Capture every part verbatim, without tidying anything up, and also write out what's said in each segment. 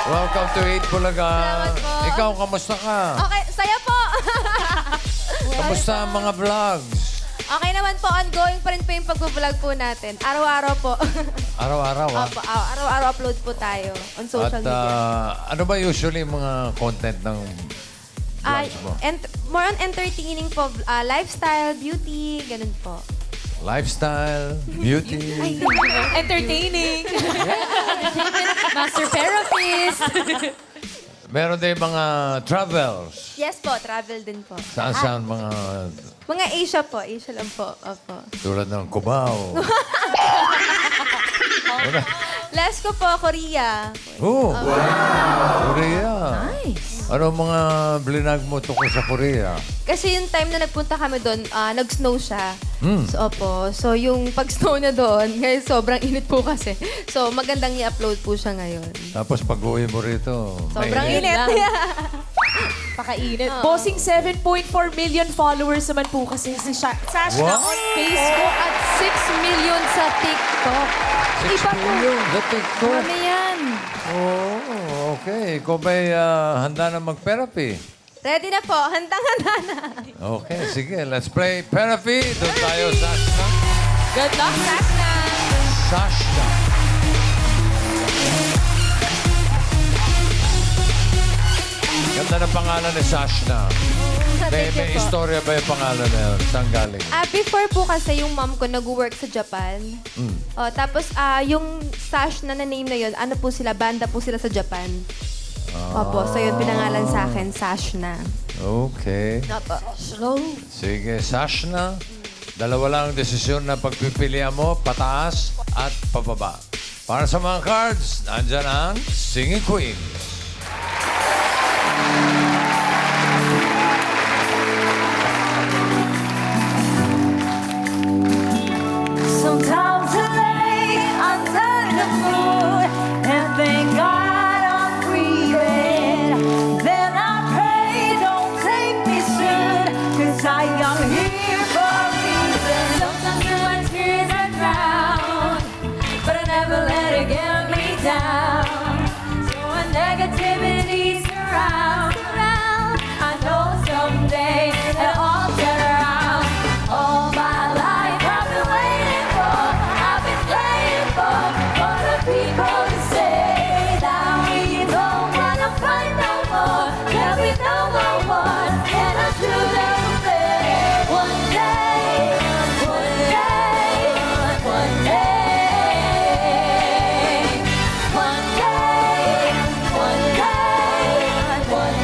Welcome to Eat Bulaga. Salamat po. Ikaw, kamusta ka? Okay, saya po. Kamusta ang mga vlogs? Okay naman po, ongoing pa rin po yung pag-vlog po natin. Araw-araw po. Araw-araw, ah. Opo, araw- araw-araw upload po tayo on social At media. ah, ano ba usually yung mga content ng Ay, vlogs mo? ent- more on entertaining po. ah, lifestyle, beauty, ganun po. Lifestyle, beauty. Entertaining. Master therapist. Meron din mga travels. Yes po, travel din po. Saan-saan mga Mga Asia po, Asia lang po. Opo. tulad ng Cubao. Ano? Last ko po, Korea. Oh, Korea. Nice. Ano mga blinag mo tungkol sa Korea? Kasi yung time na nagpunta kami doon, ah, nag-snow siya. Hmm. So, opo. So, yung pag-snow na doon, ngayon sobrang init po kasi. So, magandang i-upload po siya ngayon. Tapos pag-uwi mo rito, Sobrang mainit. init. Pakainit. Oo. Bossing seven point four million followers naman po kasi si Sha- Sashna What? on Facebook at six million sa TikTok. Six Iba po. million sa TikTok. Ano yan? Oh, okay. Ikaw ba'y ah, handa na mag-therapy? Ready na po. Handang-handa na. Okay, sige. Let's play therapy. Doon tayo, Sashna. Good luck, Sashna. Sashna. Ganda ng pangalan ni Sashna. Sa May, thank may you po. istorya ba yung pangalan na yun? Saan galing? Ah, before po kasi yung mom ko nag-work sa Japan. Mm. Oh, tapos ah yung Sash na na-name na yun, ano po sila, banda po sila sa Japan. Opo, so yun pinangalan sa akin, Sash na. Okay. Opo. Sige, Sashna. Dalawa lang ang desisyon na pagpipilian mo, pataas at pababa. Para sa mga cards, nandyan ang Singing Queen. Sometimes I lay under the moon and thank God I'm breathing. Then I pray, don't take me soon, cause I am here for a reason. Sometimes my tears are drowned, but I never let it get me down. So when negativity surrounds around, I know someday it'll all turn around. All my life I've been waiting for, I've been praying for, for the people to say that we don't wanna fight no more, there'll be no more war, and I'll do them fair. One day, one day, one day, one day, one day, one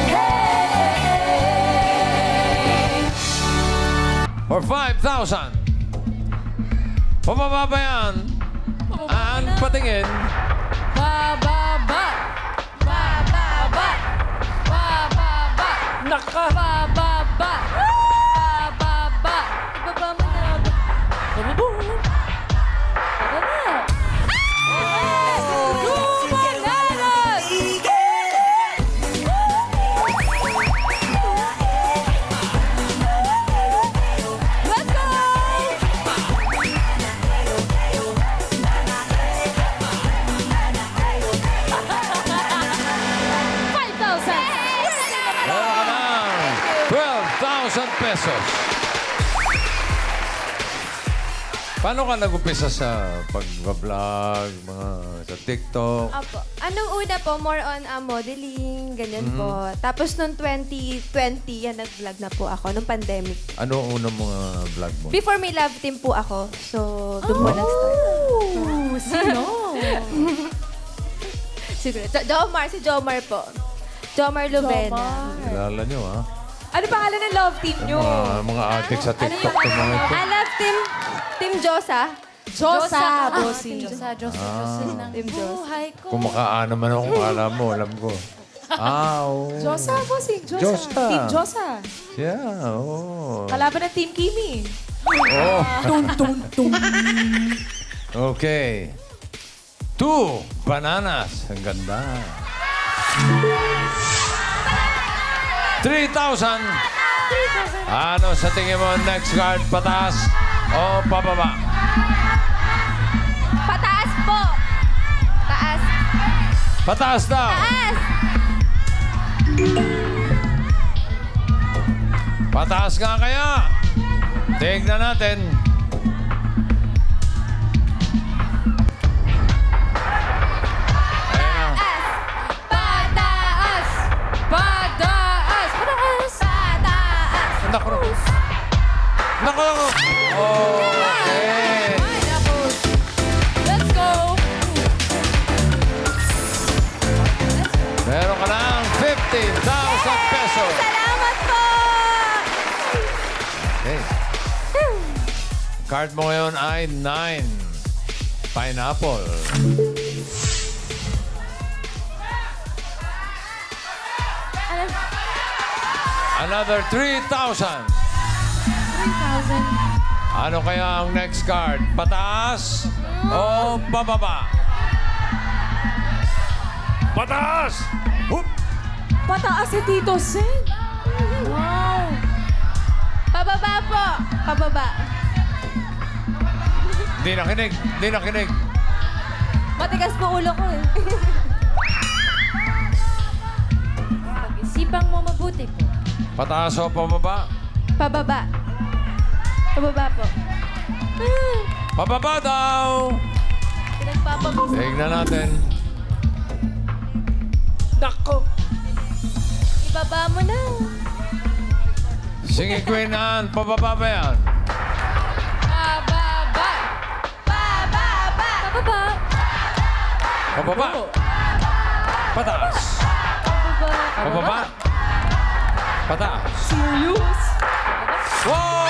day. For five thousand. Pababa ba yan? Aan patingin. Bababa. Bababa. Bababa. Naka. Bababa. Bababa. Ibaba mo na. Bababa. Bababa. Two bananas! Let's go! five thousand! Meron ka ng twelve thousand pesos. Paano ka nag-upisa sa pag-vlog, mga sa TikTok? Opo. Anong una po, more on ah, modeling, ganyan po. Tapos noong twenty twenty, yan, nag-vlog na po ako, nung pandemic. Ano ang unang mga vlog mo? Before may love team po ako, so doon po nag-start. Oh, sino? Siguro. Jo- Jomar, si Jomar po. Jomar Lovena. Kilala nyo, ha? Ano pangalan ng love team nyo? Mga, mga addict sa TikTok yung mga ito. I love team, Team Josa. Josa, Ah, bossing. Josa, Josa, Josa. Team Josa. Kung makaan naman ako, kung alam mo, alam ko. Ah, oo. Josa, bossing. Josa. Josa. Team Josa. Yeah, oo. Kalaban ng Team Kimi. Oh. Tung, tung, tung. Okay. Two bananas. Ang ganda. three thousand. Ano sa tingin mo next card? Pataas o pababa? Pataas po. Taas. Pataas daw. Taas! Pataas nga kaya. Tignan natin. Ayan na. Pataas! Pataas! Pataas! Pataas! Naku. Naku. Okay. Ay, naku. Let's go! Meron ka ng fifteen thousand pesos. Salamat po! Okay. Card mo ngayon ay nine. Pineapple. Ano? Another three thousand. three thousand. Ano kaya ang next card? Pataas o pababa? Pataas! Hup! Pataas si Tito Sen. Wow. Pababa po! Pababa. Hindi nakinig. Hindi nakinig. Matigas po ulo ko eh. Pag-isipang mo mabuti po. Pataas o pababa? Pababa. Pababa po. Ah, Pababa daw! Pinagpapabisa. Tignan natin. Nako. Ibaba mo na. Sige, Queen Anne. Pababa ba yan? Pababa. Pababa. Pababa. Pababa. Pataas. Pababa. Pababa. Pataas. Serious? Wow!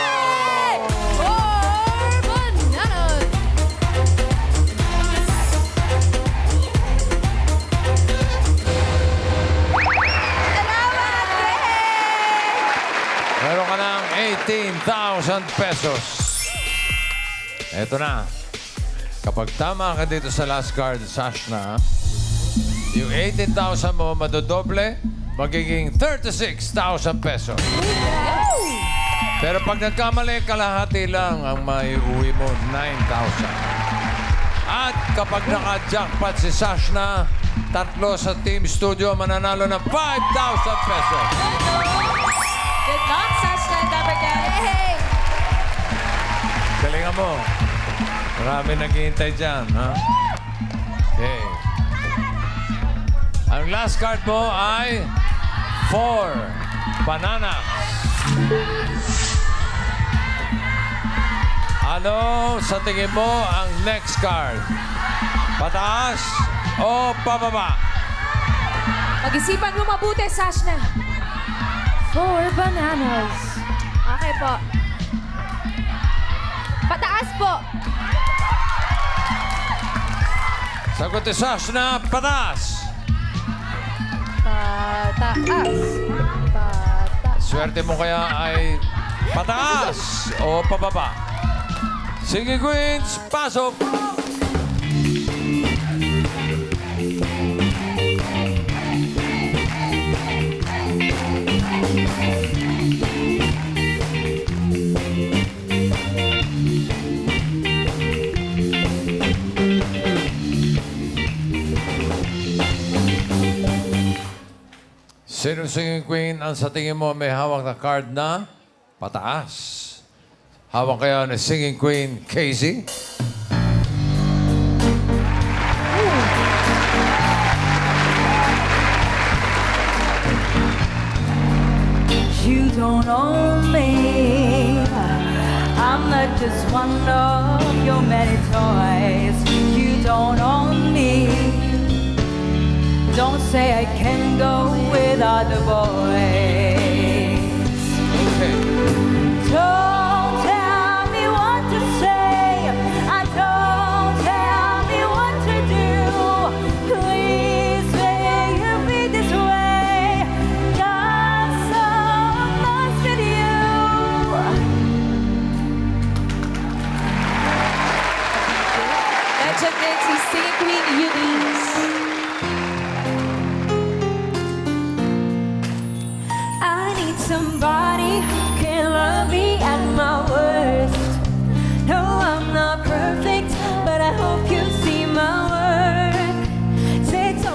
Four bananas. Salamat! Yay! Meron ka ng eighteen thousand pesos. Eto na. Kapag tama ka dito sa last card, Sashna, yung eighteen thousand mo madodoble, magiging thirty-six thousand pesos. Pero pag nagkamali, kalahati lang ang maiuwi mo, nine thousand. At kapag naka-jackpot si Sashna, tatlo sa Team Studio mananalo ng five thousand pesos. Good luck, Sashna and Dabarkad. Hey! Galingan mo. Marami naghihintay dyan, ha? Okay. Ang last card mo ay four bananas. Ano sa tingin mo ang next card? Pataas o pababa? Pag-isipan mo mabuti, Sashna. Four bananas. Okay po. Pataas po. Sagot ni Sashna, pataas. Pataas. Pataas. Swerte mo kaya ay pataas o pababa? Sige, Queens, pasok! Sino singing queen ang sa tingin mo may hawak na card na pataas? Hawak kaya ni singing queen Casey? You don't own me. I'm not just one of your many toys. You don't own me. Don't say I can go without the boys. Okay. Don't tell me what to say. I don't tell me what to do. Please may you be this way. Got so lost with you. Legend din si Singing Queen Eunice. I need somebody who can love me at my worst. No, I'm not perfect, but I hope you see my worth. Say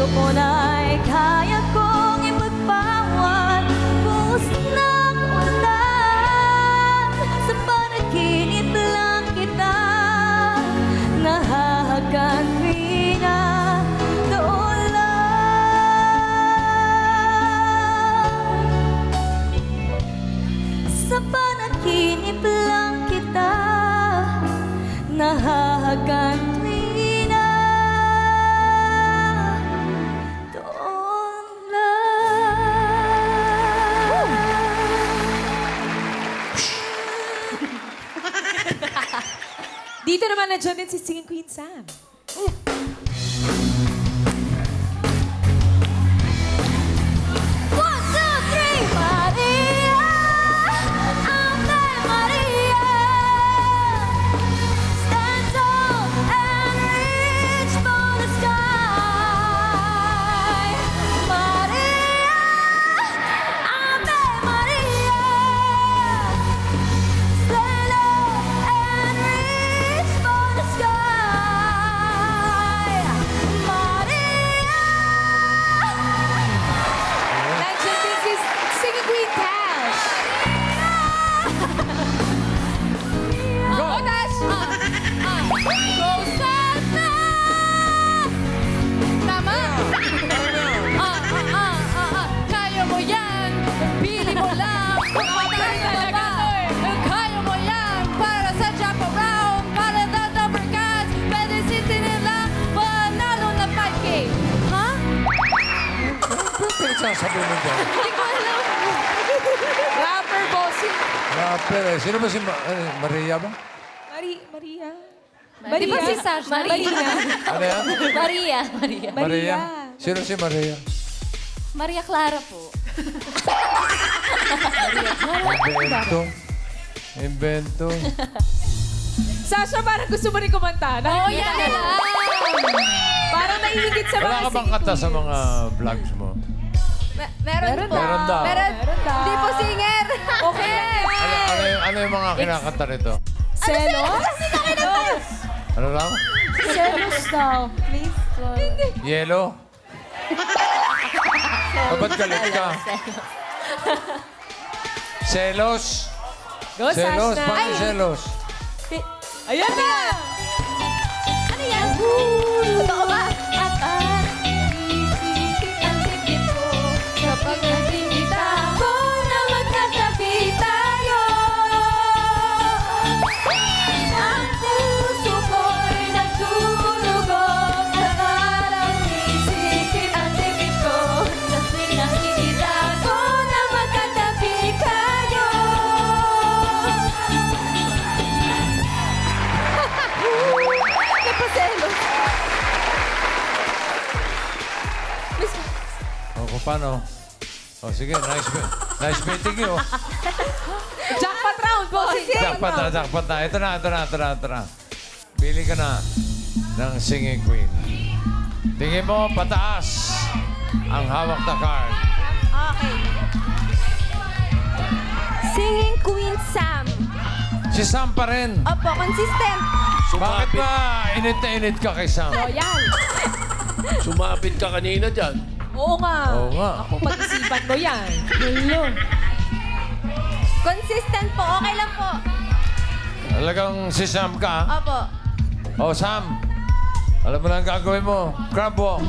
mo na'y kaya kong ipagpawad. Buhos ng ulan, sa panaginip lang kita nahahagan tuwina. Doon lang sa panaginip lang kita nahahagan tuwina. Doon lang. Dito naman nandiyan din si Singing Queen Sam. One, two, three, Maria, Ave Maria. Stand tall and reach for the sky. Maria, Ave Maria. Stand up and reach for the sky. Maria. Nandiyan din si Singing Queen Tash. Go! Oh, Tash! Rosanna! Tama! Ah, ah, ah, ah, ah. Kaya mo yan! Pili mo lang! Kung mataas na ba? Kaya mo yan! Para sa jump around! Para sa number cats! Pwede sisinin lang! Panalo na five K! Ha? Ano pinagsasabi mo dyan? Hindi ko alam! Rapper bossing. Rapper eh. Sino ba si Ma- eh, Maria ba? Mari Maria. Di ba si Sash? Maria. Ano yan? Maria. Maria. Maria. Sino si Maria? Maria Clara po. Invento. Invento. Sasha, parang gusto mo rin kumanta. Oo, yan Nakikita na ko. lang! Parang naiingit sa mga Wala ka bang kanta sa mga vlogs mo? Me- meron, Meron po. daw. Meron daw. Meron. Meron daw. Hindi po singer. Okay. Ano, ano, yung, ano yung mga kinakanta nito? Selos? Ano lang? Selos daw. Please, Lord. Yellow? O, ba't galit ka? Selos? Go, Selos? Sasha. Paano yung selos? Ayan na! Ano yan? Totoo ba? At ang isipin ang sikip ko sa pagkakita ko na magkatabi tayo. Ang puso ko'y nagtutulugog sa parang isipin ang sikip ko sa tuwing nakikita ko na magkatabi kayo. Napaselos. O, kung paano? O, sige. Nice, me- nice meeting you. Jackpot round, bossing. Jackpot na, jackpot na. Ito na, ito na, ito na, ito na. Pili ka na ng singing queen. Tingin mo, pataas ang hawak na card. Okay. Singing Queen Sam. Si Sam pa rin. Opo, consistent. Bakit ba init na init ka kay Sam? Royal. Sumapit ka kanina dyan. Oo nga. Oo nga. Ako, pag-isipan mo yan. Consistent po. Okay lang po. Talagang si Sam ka? Opo. O, Sam. Alam mo na ang gagawin mo. Crab walk.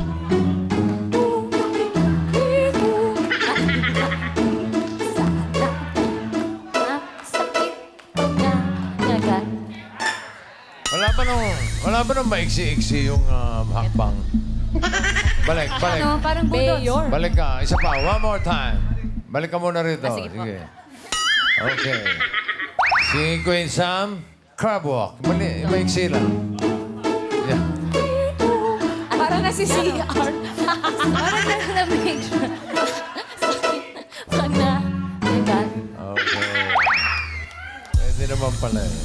Sakit na agad. Wala ba nung, wala ba nung maiksi-iksi yung ah, hakbang? Balik, balik. Ano, parang budots. Mayor. Balik ka. Isa pa. One more time. Balik ka muna rito. Ah, sige po. Okay. Si Queen Sam, crab walk. Mali, maiksi lang. Yeah. Para na si C R. Parang na-make sure. Sakit pag na agad. Okay. Pwede naman pala eh.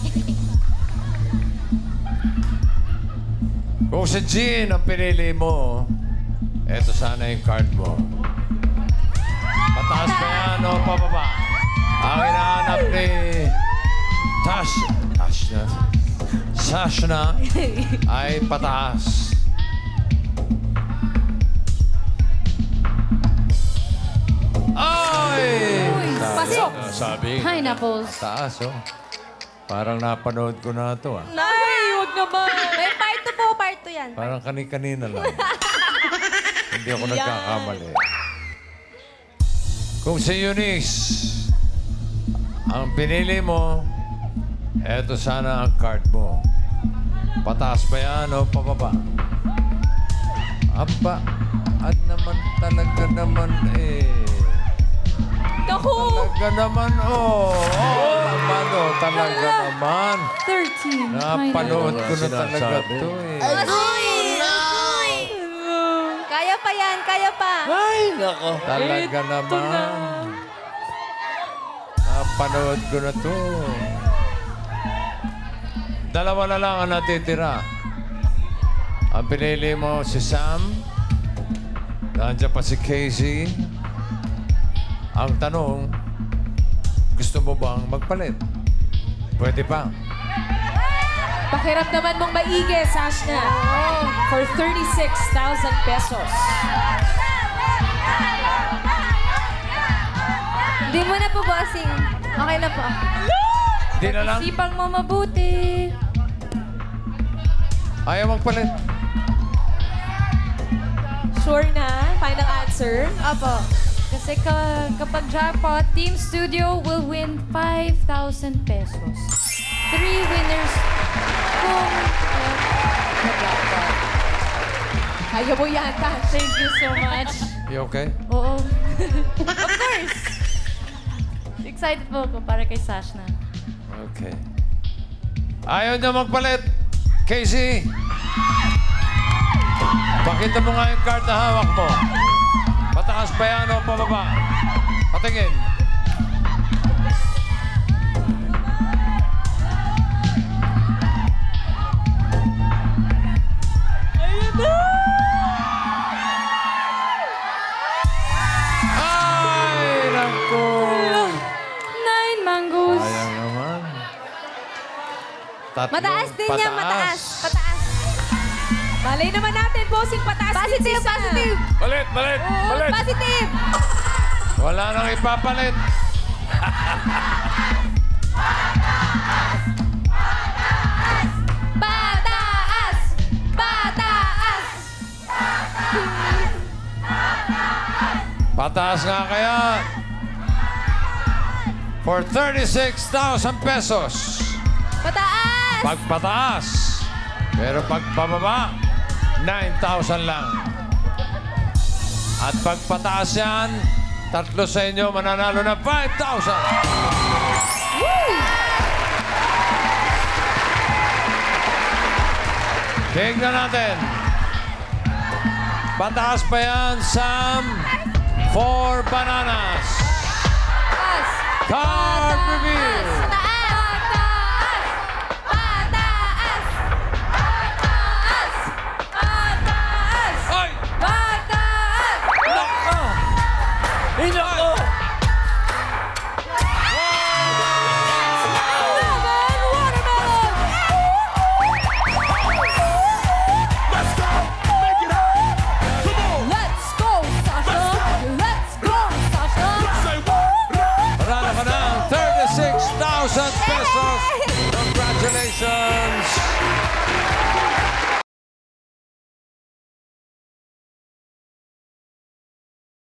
Kung si Jean ang pinili mo, eto sana yung card mo. Pataas pa yan o pababa? Ang hinahanap ni Tash, Tash na, Sash na ay pataas. Wow! Sabi. Pineapples. Taas, oh. Parang napanood ko na ito, ah. Ay, huwag naman. May part two po, part two yan. Parang kani-kanina lang. Hindi ako nagkakamali. Kung si Eunice, ang pinili mo, eto sana ang card mo. Pataas pa yan o pababa? Aba, at naman talaga naman eh. Naku! Talaga naman, oh. Oh, naman, oh. Talaga naman. thirteen. Napanood ko na Sinasabi. talaga to eh. Uy! Uy! Kaya pa yan, kaya pa. Ay, nako. Talaga naman. Napanood ko na to. Dalawa na lang ang natitira. Ang pinili mo si Sam. Nandiyan pa si Casey. Ang tanong, gusto mo bang magpalit? Pwede pa. Pakirap naman mong maigi, Sashna. For thirty-six thousand pesos. Hindi mo na po, bossing. Okay na po. Di na lang. Sipang mo mabuti. Ayaw magpalit. Sure na? Final answer? Opo. Kasi ka, kapag jackpot, Team Studio will win five thousand pesos. Three winners kung uh, jackpot. Kaya mo yan, Tash. Thank you so much. You okay? Oo. Of course. Excited po ako para kay Sashna. Okay. Ayaw niya magpalit. Casey! Pakita mo nga yung card na hawak mo. Pataas pa yan o pababa? Patingin. Ay, naku! Nine mangoes. Sayang naman. Tatlo. Mataas din yan, mataas. Pataas. Malay naman natin, bossing pataas din Positive, si Sam. positive. Balit, balit, balit. Positive. Wala nang ipapalit. Pataas! Pataas! Pataas nga kaya. For thirty-six thousand pesos. Pataas! Pagpataas. Pero pagpababa, nine thousand lang. At pagpataas yan, tatlo sa inyo mananalo na five thousand. Tingnan natin. Pataas pa yan, Sam. Four bananas. Pataas! Card reveal. Pataas! Pataas! Pataas! Pataas! Ay! Pataas! Nako! Ay, nako. Let's go, Sasha! Let's go, Sasha! Manalo ka ng thirty-six thousand pesos. Congratulations!